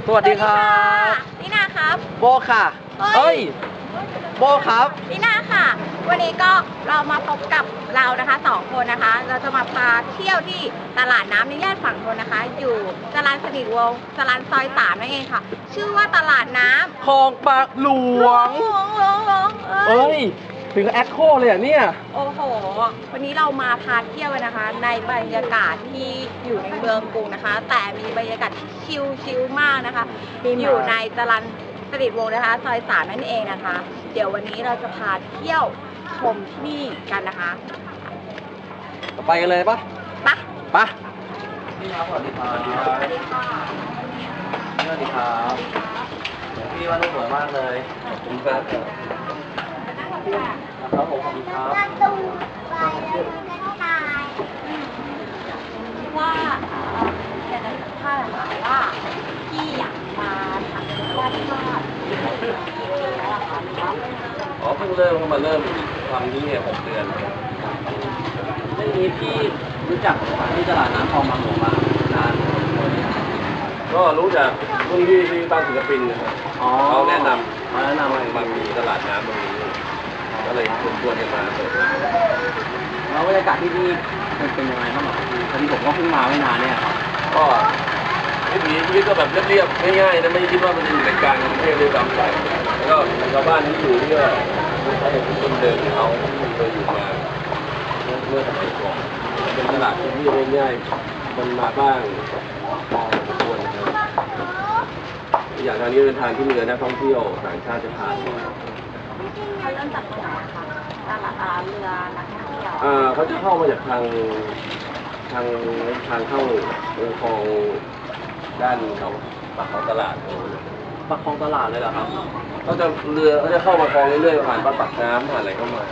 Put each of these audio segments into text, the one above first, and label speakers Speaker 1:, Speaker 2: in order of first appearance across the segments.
Speaker 1: วัสดีครับ
Speaker 2: นี่นาครับ
Speaker 1: โบค่ะเอ้ยโบครับ
Speaker 2: นี่นาค่ะวันนี้ก็เรามาพบกับเรานะคะ2 คนนะคะเราจะมาพาเที่ยวที่ตลาดน้ำในย่านฝั่งทนนะคะอยู่จรัญสนิทวงศ์จรัญซอย3นั่นเองค่ะชื่อว่าตลาดน้ำ
Speaker 1: คลองปากหลวงเอ้ยถึงแอคโคเลยอ่ะเนี่ย
Speaker 2: โอ้โหวันนี้เรามาพาเที่ยวนะคะในบรรยากาศที่อยู่ในเมืองกรุงนะคะแต่มีบรรยากาศชิลๆมากนะคะอยู่ในจรัญสนิทวงศ์นะคะซอย3นั่นเองนะคะเดี๋ยววันนี้เราจะพาเที่ยวชมที่นี่กันนะคะ
Speaker 1: ไปกันเลยปะปะพี่ครับสวัสดีครับ
Speaker 2: สวัสดีค่ะ
Speaker 1: สวัสดีครับพี่ว่าสวยมากเลยขอบคุณครับครับผมขอบคุณครับ
Speaker 2: ว่าอยากจะถามว่าพี่อยากมาทำวาดภาพ
Speaker 1: อ๋อเพิ่งเริ่มมาเริ่มทำนี่เนี่ย6 เดือนเรื่องนี้พี่รู้จักที่ตลาดน้ำคลองบางหลวงมานานก็รู้จักรุ่นพี่ที่บ้านศิลปินนะครับเขาแนะนำมามีตลาดน้ำตรงนี้ก็เลยชวนกันมาเปิดแล้วบรรยากาศที่นี่เป็นยังไงบ้างครับพี่พอดีผมก็เพิ่งมาไม่นานเนี่ยครับก็ชีวิตก็แบบเรียบๆง่ายๆนะไม่คิดว่ามันจะอยู่ในกลางกรุงเทพด้วยซ้ำไปแล้วก็ชาวบ้านที่อยู่ที่ก็ใช้คนเดิมเขาเคยอยู่มาเมื่อสมัยก่อนเป็นตลาดที่ง่ายๆคนมาบ้างพอสมควรนะครับอย่างทางนี้เป็นทางที่มีนักท่องเที่ยวต่างชาติจะผ่านมา
Speaker 2: เขาเริ่มจากตรงไหนคะตลาดเรือนักท่องเที่ยว
Speaker 1: เขาจะเข้ามาจากทางเข้าคลองด้านเขาปากคลองตลาดปากคลองตลาดเลยเหรอครับเขาจะเรือเขาจะเข้ามาคลองเรื่อยๆผ่านปากน้ำผ่านอะไรเข้ามา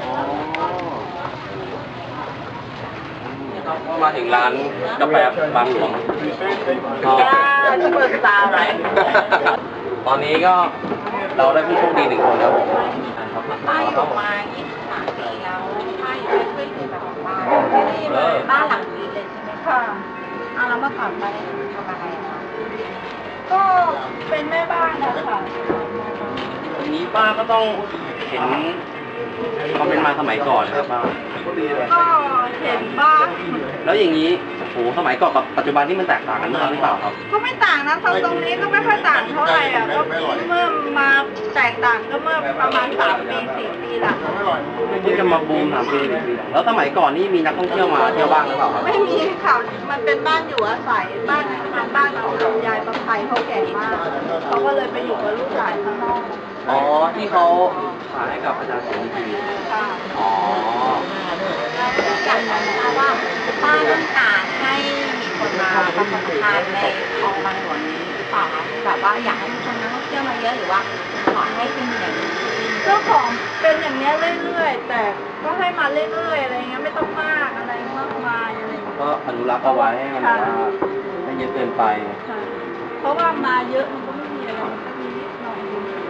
Speaker 1: ก็มาถึงร้านกาแฟบางหลวง
Speaker 2: จะเปิดตาไหม
Speaker 1: ตอนนี้ก็เราได้ผู้โชคดี1 คนครับผม
Speaker 2: ป้าอยู่มา23 ปีแล้วป้าอยู่ไม่เคยอยู่แบบบ้านบ้านหลังนี้เลยใช่ไหมคะแล้วเมื่อก่อนป้าได้ทำอะไรคะ
Speaker 3: ก็เป็นแม่บ้านนะคะ
Speaker 1: วันนี้ป้าก็ต้องเห็นความเป็นมาสมัยก่อนครับป้า
Speaker 3: ก็เห็นบ้าง
Speaker 1: แล้วอย่างนี้โหสมัยก่อนกับปัจจุบันที่มันแตกต่างกันมากหรือเปล่าครับ
Speaker 3: ก็ไม่ต่างนะตรงนี้ก็ไม่ค่อยต่างเท่าไหร่อ่ะก็เมื่อมาแตกต่างก็เมื่อประมาณ3 ปี 4 ปีหลัง
Speaker 1: ที่จะมาบูม3 ปีแล้วสมัยก่อนนี่มีนักท่องเที่ยวมาเที่ยวบ้างหรือเปล่าครับ
Speaker 3: ไม่มีค่ะมันเป็นบ้านอยู่อาศัยบ้านของยายประภัยเขาแก่มากเขาก็เลยไปอยู่กับลูกหลานข้างนอก
Speaker 1: อ๋อที่เขาขายให้กับอาจารย์เสรี
Speaker 3: ค่ะ
Speaker 1: อ๋อ
Speaker 2: อยากจะทราบว่าป้าต้องการให้มีคนมาประกอบการในคลองบางหลวงนี้หรือเปล่าคะแบบว่าอยากให้มีคนนักท่องเที่ยวมาเยอะหรือว่าขอให้เป็นอย่างนี้
Speaker 3: เจ้าของเป็นอย่างนี้เรื่อยๆแต่ก็ให้มาเรื่อยๆอะไรเงี้ยไม่ต้องมากอะไรมากมายอะไร
Speaker 1: ก็อนุรักษ์เอาไว้ให้มันแบบว่าไม่เยอะเกินไป
Speaker 3: เพราะว่ามาเยอะมันก็ไม่มีอะไรมีนิดหน่อย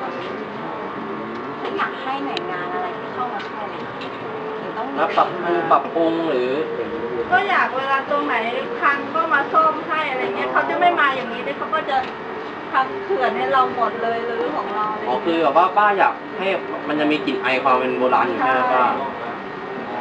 Speaker 2: ถ้าอยากให้หน่วยงานอะไรที่เข้ามาช่วยเลย
Speaker 1: ปรับปรุงหรือ
Speaker 3: ก็อยากเวลาตรงไหนพังก็มาซ่อมให้อะไรเงี้ยเขาจะไม่มาอย่างนี้เลยเขาก็จะทำเขื่อนให้เราหมดเลยหรือของเรา
Speaker 1: อ๋อคือแบบว่าป้าอยากให้มันจะมีกลิ่นไอความเป็นโบราณอยู่ใช่ไหมป้าอ๋อ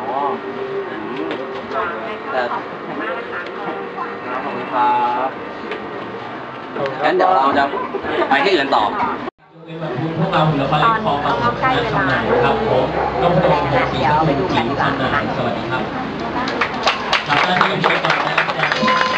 Speaker 2: แต่ขอบคุณมากนะคะ
Speaker 1: ขอบคุณครับงั้นเดี๋ยวเราจะไปที่อื่นต่อ
Speaker 4: พวกเราเหลือไปขอขอบคุณนักทำงานครับผมต้องไปดูกันดีกว่าไปดูกันดีกว่าสวัสดีครับจากนั้นที่ไปต่อนะครับ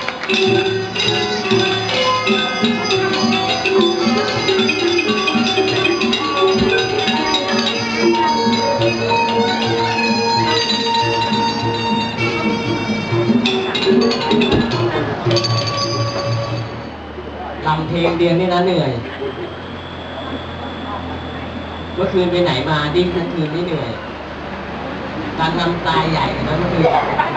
Speaker 4: ทำเพลงเรียนนี่นะเหนื่อยเมื่อคืนไปไหนมาดิ้นทั้งคืนไม่เหนื่อยการทำตายใหญ่นะเมื่อคืน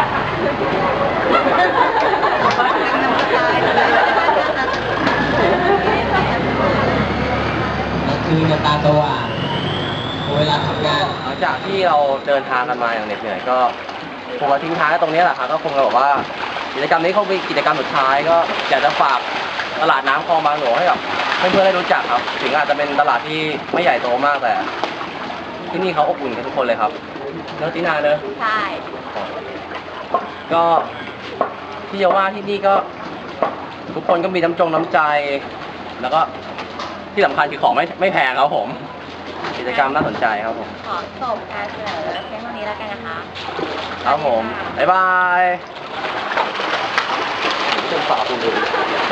Speaker 4: จะตาสว่างเวลาทำงาน
Speaker 1: หลังจากที่เราเดินทางกันมาอย่างเหน็ดเหนื่อยก็คงจะทิ้งท้ายตรงนี้แหละครับก็คงจะบอกว่ากิจกรรมนี้เขาเป็นกิจกรรมสุดท้ายก็อยากจะฝากตลาดน้ำคลองบางหลวงให้กับให้เพื่อนได้รู้จักครับ ถึงอาจจะเป็นตลาดที่ไม่ใหญ่โตมากแต่ ที่นี่เขาอบอุ่นกันทุกคนเลยครับเนอะตินาเนอะ
Speaker 2: ใช่
Speaker 1: ก็ที่จะว่าที่นี่ก็ทุกคนก็มีน้ำใจ แล้วก็ที่สำคัญคือของไม่แพงครับผม กิจกรรมน่าสนใจครับผม
Speaker 2: ขอจบการเสนอเพียงเท่านี้แล้วกันนะคะ
Speaker 1: ครับผม บ๊ายบายเป็นฝาคุณดู